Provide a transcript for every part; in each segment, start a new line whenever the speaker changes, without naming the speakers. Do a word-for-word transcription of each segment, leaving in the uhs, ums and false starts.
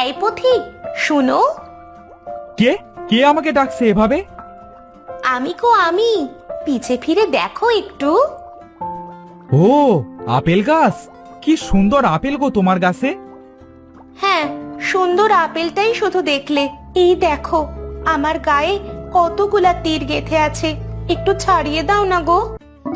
এই পথিক, শুনো।
কে কে আমাকে ডাকছে এভাবে?
আমি গো আমি। পিছে ফিরে দেখো একটু।
ও, আপেল গাছ! কি সুন্দর আপেল গো তোমার গাছে।
হ্যাঁ, সুন্দর আপেলটাই শুধু দেখলে। এই দেখো, আমার গায়ে কতগুলা তীর গেঁথে আছে। একটু ছাড়িয়ে দাও না গো।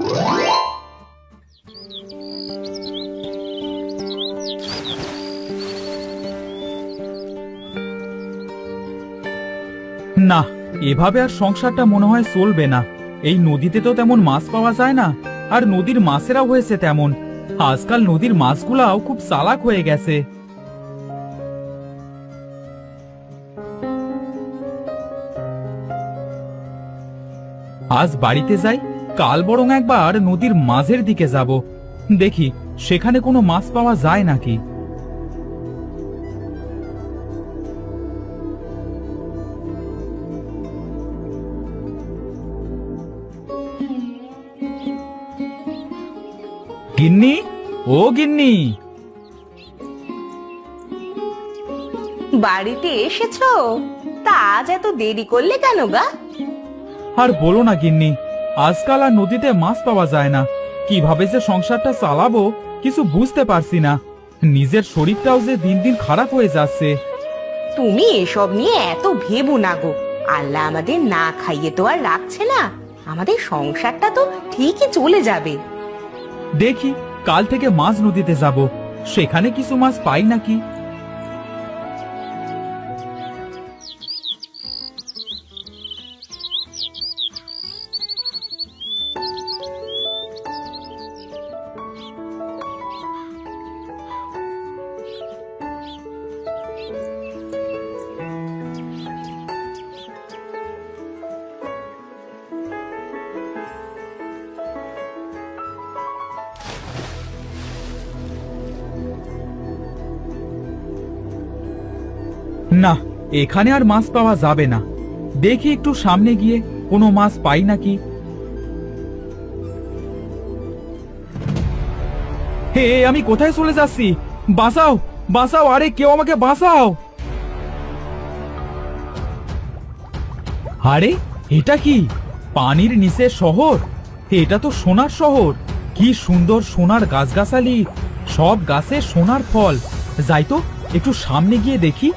না, এভাবে আর সংসারটা মনে হয় চলবে না। এই নদীতে তো তেমন মাছ পাওয়া যায় না, আর নদীর মাছেরাও হয়েছে তেমন। আজকাল নদীর মাছগুলাও খুব চালাক হয়ে গেছে। আজ বাড়িতে যাই, কাল বরং একবার নদীর মাঝের দিকে যাব, দেখি সেখানে কোনো মাছ পাওয়া যায় নাকি। গিন্নি, ও গিন্নি!
বাড়িতে এসেছো? তা আজ এত দেরি করলে কেন গা?
আর বলো না গিন্নি, আজকাল আর নদীতে মাছ পাওয়া যায় না। কিভাবে যে সংসারটা চালাবো কিছু বুঝতে পারছি না। নিজের শরীরটাও যে দিন দিন খারাপ হয়ে যাচ্ছে।
তুমি এসব নিয়ে এত ভেবো না গো। আল্লাহ আমাদের না খাইয়ে তো আর রাখছে না। আমাদের সংসারটা তো ঠিকই চলে যাবে।
দেখি কাল থেকে মাছ নদীতে যাব, সেখানে কিছু মাছ পাই নাকি। না, এখানে আর মাছ পাওয়া যাবে না। দেখি একটু সামনে গিয়ে কোনো মাছ পাই নাকি। হে, আমি কোথায় চলে যাচ্ছি? বাঁচাও, বাঁচাও! আরে কেউ আমাকে বাঁচাও! আরে এটা কি? পানির নিচে শহর! এটা তো সোনার শহর। কি সুন্দর সোনার গাছগাছালি, সব গাছে সোনার ফল। যাই তো, একটু সামনে গিয়ে দেখি।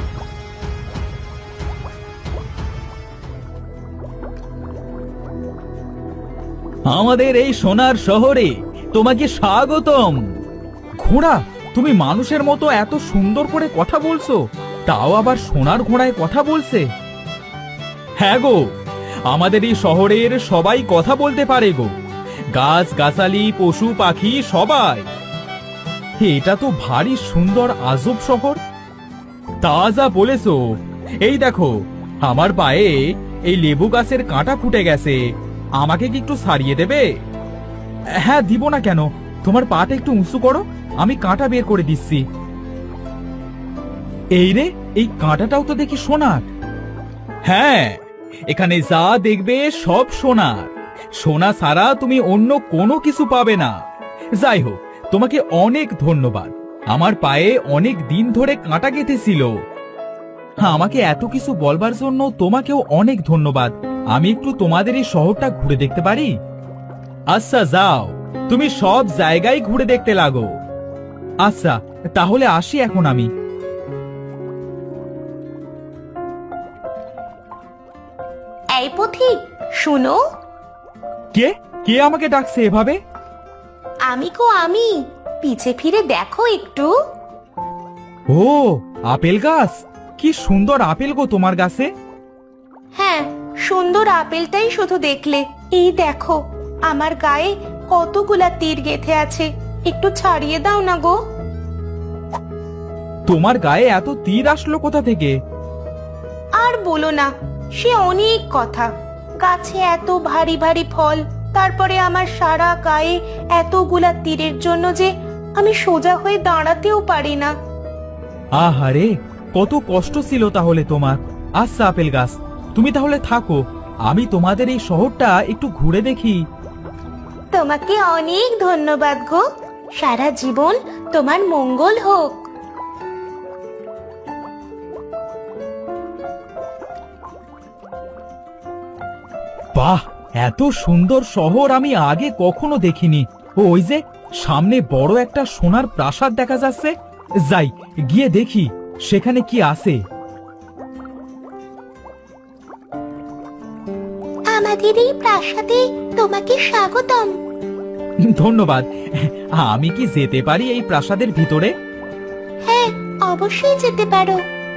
আমাদের এই সোনার শহরে তোমাকে স্বাগতম। ঘোড়া, তুমি মানুষের মতো এত সুন্দর করে কথা বলছো, তাও আবার সোনার ঘোড়ায় কথা বলছে। হ্যাঁ গো, আমাদের এই শহরের সবাই কথা বলতে পারে গো। গাছ গাছালি, পশু পাখি সবাই। এটা তো ভারী সুন্দর আজব শহর। তা যা বলেছো। এই দেখো, আমার পায়ে এই লেবু গাছের কাঁটা ফুটে গেছে। আমাকে কি একটু সারিয়ে দেবে? হ্যাঁ, দিব না কেন। তোমার পাটা একটু উঁচু করো, আমি কাঁটা বের করে দিচ্ছি। এই রে, এই কাঁটাটাও তো দেখি সোনার। হ্যাঁ, এখানে যা দেখবে সব সোনার। সোনা ছাড়া তুমি অন্য কোনো কিছু পাবে না। যাই হোক, তোমাকে অনেক ধন্যবাদ। আমার পায়ে অনেক দিন ধরে কাঁটা গেঁথেছিল। আমাকে এত কিছু বলবার জন্য তোমাকেও অনেক ধন্যবাদ। আমি একটু তোমাদের এই শহরটা ঘুরে দেখতে পারি? আচ্ছা যাও, তুমি সব জায়গায় ঘুরে দেখতে লাগো। আচ্ছা, তাহলে আসি এখন আমি।
এই পথিক, শুনো।
কে কে আমাকে ডাকছে এভাবে?
আমি গো আমি। পিছে ফিরে দেখো একটু।
ও, আপেল গাছ! কি সুন্দর আপেল গো তোমার গাছে।
হ্যাঁ, সুন্দর আপেলটাই শুধু দেখলে। এই দেখো, আমার গায়ে কতগুলা তীর গেঁথে আছে। একটু ছাড়িয়ে দাও না গো।
তোমার গায়ে এত তীর আসলো কোথা থেকে?
আর বলো না, সে অনেক কথা। গাছে এত ভারী ভারী ফল, তারপরে আমার সারা গায়ে এতগুলা তীরের জন্য যে আমি সোজা হয়ে দাঁড়াতেও পারি না।
আহারে, কত কষ্ট ছিল তাহলে তোমার। আচ্ছা আপেল গাছ, তুমি তাহলে থাকো, আমি তোমাদের এই শহরটা একটু ঘুরে দেখি।
তোমাকে অনেক ধন্যবাদ গো। সারা জীবন তোমার মঙ্গল হোক।
বাহ, এত সুন্দর শহর আমি আগে কখনো দেখিনি। ও, ওই যে সামনে বড় একটা সোনার প্রাসাদ দেখা যাচ্ছে। যাই, গিয়ে দেখি সেখানে কি আছে।
আমাদের এই প্রাসাদে তোমাকে স্বাগতম।
ধন্যবাদ। আমি কি যেতে পারি এই প্রাসাদের ভিতরে?
হ্যাঁ, অবশ্যই যেতে পারো।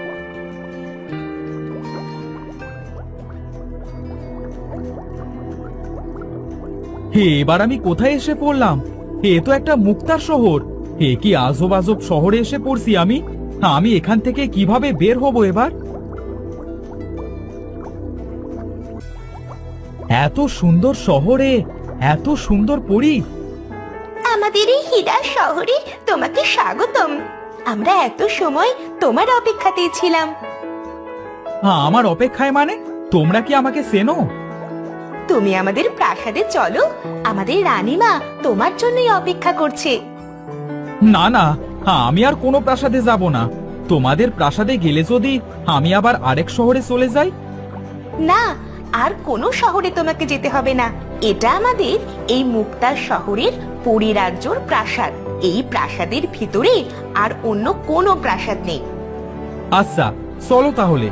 হে, এবার আমি কোথায় এসে পড়লাম? এ তো একটা মুক্তার শহর। এ কি আজব আজব শহরে এসে পড়ছি আমি। আমি এখান থেকে কিভাবে বের হব এবার? এত সুন্দর শহরে এত সুন্দর পরী।
আমাদের এই হীরা শহরে তোমাকে স্বাগতম। আমরা এত সময় তোমার অপেক্ষাতেই ছিলাম।
আমার অপেক্ষায় মানে? তোমরা কি আমাকে চেনো?
তুমি আমাদের প্রাসাদে চলো, আমাদের রানীমা তোমার জন্যই অপেক্ষা করছে।
না না, আমি আর কোনো প্রাসাদে যাব না। তোমাদের প্রাসাদে গেলে যদি আমি আবার আরেক শহরে চলে যাই?
না, আর কোনো শহরে তোমাকে যেতে হবে না। এটা আমাদের এই মুক্তার শহরের পরিরাজ্যর প্রাসাদ। এই প্রাসাদের ভিতরে আর অন্য কোনো প্রাসাদ নেই।
আচ্ছা, চলো তাহলে।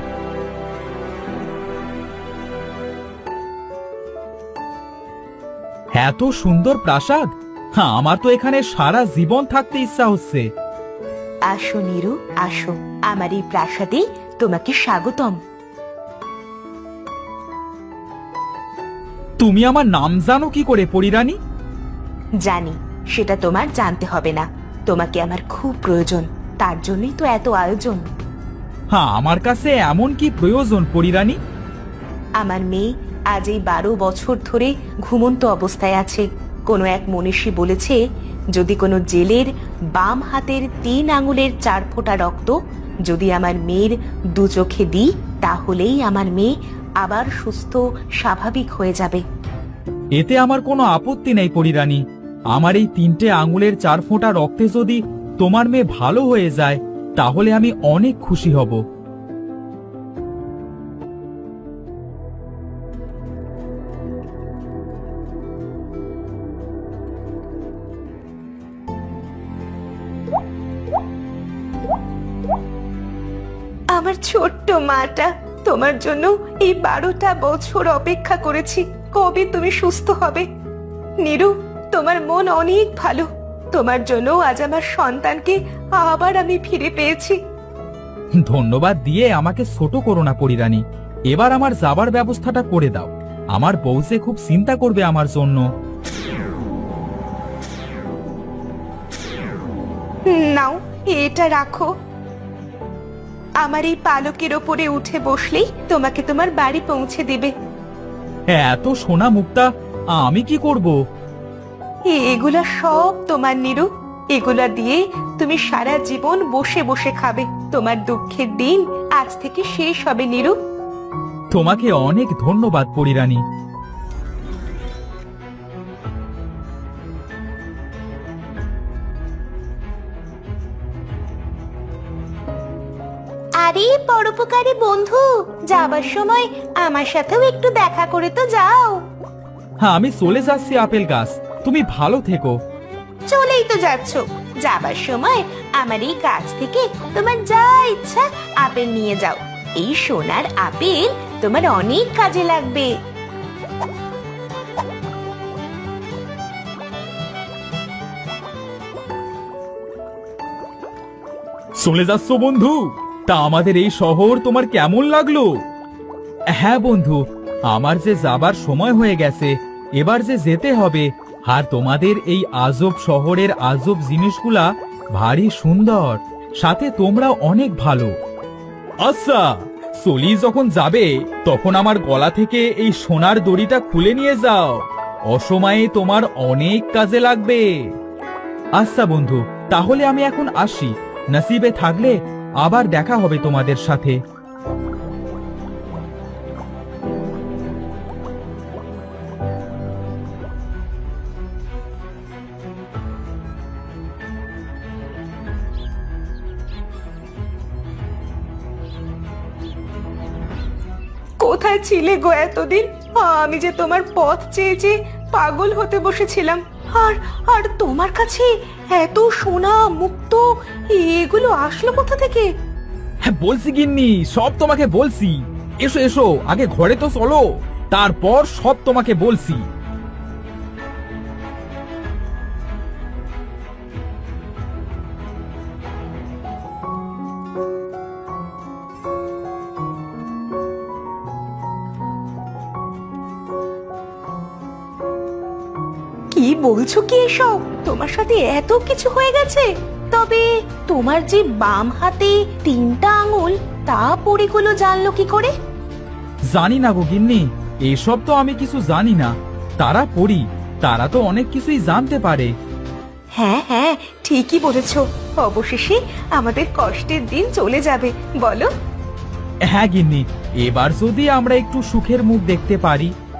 এত সুন্দর প্রাসাদ, হ্যাঁ, আমার তো এখানে সারা জীবন থাকতে ইচ্ছা হচ্ছে।
আসো নীরু, আসো, আমার এই প্রাসাদে তোমাকে স্বাগতম।
তুমি আমার নাম জানো কি করে, পরিরানী?
জানি, সেটা তোমার জানতে হবে না। তোমাকে আমার খুব প্রয়োজন, তার জন্যই তো এত আয়োজন।
হ্যাঁ, আমার কাছে এমন কি প্রয়োজন, পরিরানী?
আমার মেয়ে আজ এই বারো বছর ধরে ঘুমন্ত অবস্থায় আছে। কোনো এক মনীষী বলেছে, যদি কোনো জেলের বাম হাতের তিন আঙুলের চার ফোঁটা রক্ত যদি আমার মেয়ের দু চোখে দিই, তাহলেই আমার মেয়ে আবার সুস্থ স্বাভাবিক হয়ে যাবে।
এতে আমার কোনো আপত্তি নেই, পরিরানী। আমার এই তিনটে আঙুলের চার ফোঁটা রক্তে যদি তোমার মেয়ে ভালো হয়ে যায়, তাহলে আমি অনেক খুশি হব।
আমার ছোট্ট মাটা, তোমার জন্য এই বারোটা বছর অপেক্ষা করেছি। কবে তুমি সুস্থ হবে? নীরু, তোমার মন অনেক ভালো। তোমার জন্য আজ আমার সন্তানকে আবার আমি ফিরে পেয়েছি।
ধন্যবাদ দিয়ে আমাকে ছোট করো না, পরিরানী। এবার আমার যাবার ব্যবস্থাটা করে দাও। আমার বউ যে খুব চিন্তা করবে আমার জন্য।
নাও, এটা রাখো। আমার এই পালকের ওপরে উঠে বসলেই তোমাকে তোমার বাড়ি পৌঁছে দিবে।
এত সোনা মুক্তা আমি কি করব?
এগুলা সব তোমার নীরু। এগুলা দিয়ে তুমি সারা জীবন বসে বসে খাবে। তোমার দুঃখের দিন আজ থেকে শেষ হবে নীরু।
তোমাকে অনেক ধন্যবাদ, পরিরানী।
আরে পরোপকারী বন্ধু, যাবার সময় আমার সাথেও একটু দেখা করে তো যাও।
হ্যাঁ, আমি চলে যাচ্ছি আপেল গাছ। তুমি ভালো থেকো।
চলেই তো যাচ্ছ, যাবার সময় আমার এই গাছ থেকে তোমার যা ইচ্ছা আপেল নিয়ে যাও। এই সোনার আপেল তোমার অনেক কাজে লাগবে।
চলে যাচ্ছ বন্ধু? তা আমাদের এই শহর তোমার কেমন লাগলো? হ্যাঁ বন্ধু, আমার যে যাবার সময় হয়ে গেছে, এবার যে যেতে হবে। আর তোমাদের এই আজব শহরের আজব জিনিসগুলা ভারী সুন্দর, সাথে তোমরা অনেক ভালো। আচ্ছা, চলি যখন যাবে, তখন আমার গলা থেকে এই সোনার দড়িটা খুলে নিয়ে যাও। অসময়ে তোমার অনেক কাজে লাগবে। আচ্ছা বন্ধু, তাহলে আমি এখন আসি। নসিবে থাকলে আবার দেখা হবে তোমাদের সাথে।
কোথায় ছিলে গো এতদিন? আমি যে তোমার পথ চেয়ে চেয়ে পাগল হতে বসেছিলাম, আর আর তোমার কাছে এত সোনা মুক্তো এগুলো আসলো কোথা থেকে?
হ্যাঁ বলছি গিন্নি, সব তোমাকে বলছি। এসো এসো, আগে ঘরে তো চলো, তারপর সব তোমাকে বলছি।
কি বলছো কি এসব? তোমার সাথে এত কিছু হয়ে গেছে? তবে তোমার যে বাম হাতে তিনটা আঙুল, তা পরিগুলো জানলো কি করে?
জানি না গো গিন্নি, এসব তো আমি কিছু জানি না। তারা পড়ি, তারা তো অনেক কিছুই জানতে পারে।
হ্যাঁ হ্যাঁ, ঠিকই বলেছ। অবশেষে আমাদের কষ্টের দিন চলে যাবে, বলো?
হ্যাঁ গিন্নি, এবার যদি আমরা একটু সুখের মুখ দেখতে পারি